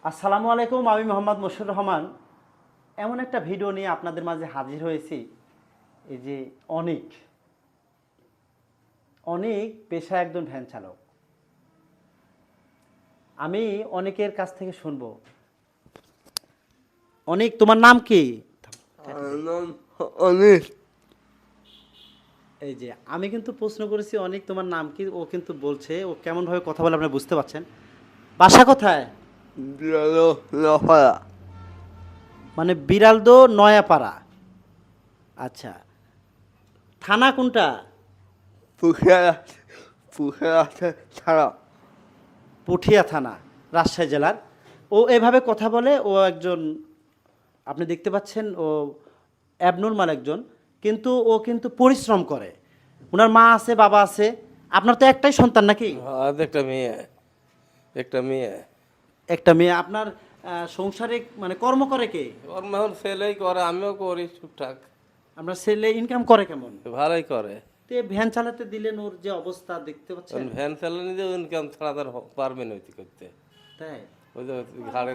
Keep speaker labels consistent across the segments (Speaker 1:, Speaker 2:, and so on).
Speaker 1: আসসালামু আলাইকুম, আমি মোহাম্মদ মশিউর রহমান। এমন একটা ভিডিও নিয়ে আপনাদের মাঝে হাজির হয়েছি। এই যে অনিক অনিক পেশায় একজন ভ্যান চালক। আমি অনেকের কাছ থেকে শুনবো, অনিক তোমার নাম কি?
Speaker 2: নাম অনিক।
Speaker 1: এই যে আমি কিন্তু প্রশ্ন করেছি অনিক তোমার নাম কি, ও কিন্তু বলছে, ও কেমনভাবে কথা বলে আপনারা বুঝতে পারছেন। বাসা কোথায়?
Speaker 2: বিয়ালো লাফায়া
Speaker 1: মানে বিড়ালদো নয়াপাড়া। আচ্ছা, থানা কোনটা?
Speaker 2: পুষারা পুষারা ছাড়া
Speaker 1: পুঠিয়া থানা, রাজশাহী জেলার। ও এভাবে কথা বলে, ও একজন, আপনি দেখতে পাচ্ছেন ও অ্যাবনর্মাল একজন, কিন্তু ও কিন্তু পরিশ্রম করে। ওনার মা আছে, বাবা আছে। আপনার তো একটাই সন্তান নাকি?
Speaker 3: আজ একটা মেয়ে
Speaker 1: একটা মেয়ে। আপনার সংসারে মানে কর্ম করে কে?
Speaker 3: ওর মেহন ছেলেই করে, আমিও করি টুকটাক।
Speaker 1: আপনার ছেলে ইনকাম করে কেমন?
Speaker 3: ভালোই করে।
Speaker 1: তো এই ভ্যান চালাতে দিলেন, ওর যে অবস্থা দেখতে পাচ্ছেন।
Speaker 3: ভ্যান চালানি যে ইনকাম ছাড়া তার পারবে না ওইটি করতে।
Speaker 1: তাই
Speaker 3: ওই যে ঘাড়ের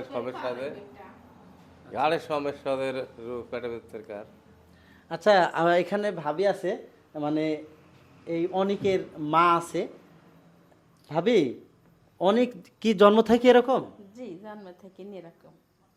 Speaker 3: সমস্যাদের রোগ পেটে ব্যথার কার।
Speaker 1: আচ্ছা, আমার এখানে ভাবি আছে, মানে এই অনিকের মা আছে। ভাবি, অনিক কি জন্ম থেকে এরকম?
Speaker 4: জি, জন্ম থেকে এরকম।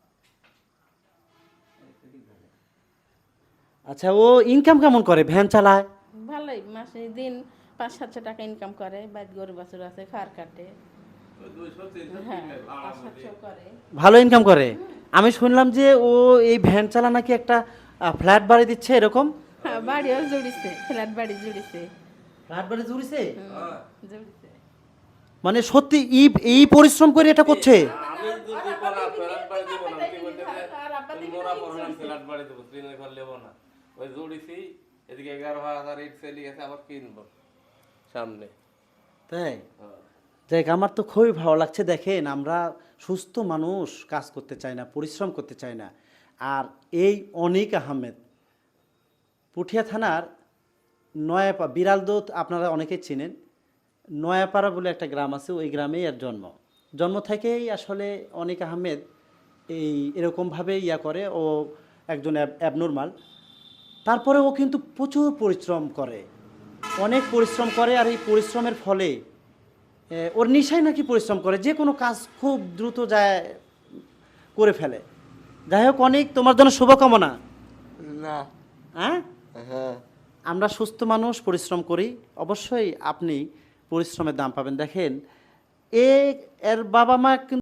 Speaker 1: আচ্ছা, ও ইনকাম কেমন করে? ভ্যান চালায়?
Speaker 4: ভালোই, মাসে দিন 500-700 টাকা ইনকাম করে। বাইর গরু বাছুর আছে, খার কাটে। হ্যাঁ, 500-700 করে।
Speaker 1: ভালো ইনকাম করে। আমি শুনলাম যে ও এই ভ্যান চালা নাকি একটা ফ্ল্যাট বাড়ি দিচ্ছে এরকম।
Speaker 4: হ্যাঁ, বাড়িও জুড়িছে, ফ্ল্যাট বাড়ি জুড়িছে।
Speaker 1: ফ্ল্যাট বাড়ি জুড়িছে?
Speaker 4: জুড়িছে।
Speaker 1: মানে সত্যি এই পরিশ্রম করে এটা করছে?
Speaker 3: আমি যদি বলা ফেরাত বাড়ি দেবো না, কি বলতে যে তুমি মোরা পড়লাম ফেরাত বাড়ি দেবো, ট্রেনের ঘর নেবো না। ওই জুড়িছি, এদিকে 11,000 ইট চলে গেছে, আবার কিনবো সামনে।
Speaker 1: তাই দেখ, আমার তো খুবই ভালো লাগছে। দেখেন, আমরা সুস্থ মানুষ কাজ করতে চাই না, পরিশ্রম করতে চাই না। আর এই অনিক আহমেদ পুঠিয়া থানার বিড়ালদোত, আপনারা অনেকেই চিনেন। নয়াপাড়া বলে একটা গ্রাম আছে, ওই গ্রামেই এর জন্ম। জন্ম থেকেই আসলে অনিক আহমেদ এরকমভাবে করে। ও একজন অ্যাবনর্মাল। তারপরে ও কিন্তু প্রচুর পরিশ্রম করে, অনেক পরিশ্রম করে। আর এই পরিশ্রমের ফলে ওর নিশায় নাকি পরিশ্রম করে, যে কোনো কাজ খুব দ্রুত যায় করে ফেলে। যাই হোক অনেক, তোমার জন্য শুভকামনা।
Speaker 2: না
Speaker 1: হ্যাঁ,
Speaker 2: হ্যাঁ
Speaker 1: আমরা সুস্থ মানুষ, পরিশ্রম করি, অবশ্যই আপনি পরিশ্রমের দাম পাবেন। দেখেন, এর বাবা মা কিন্তু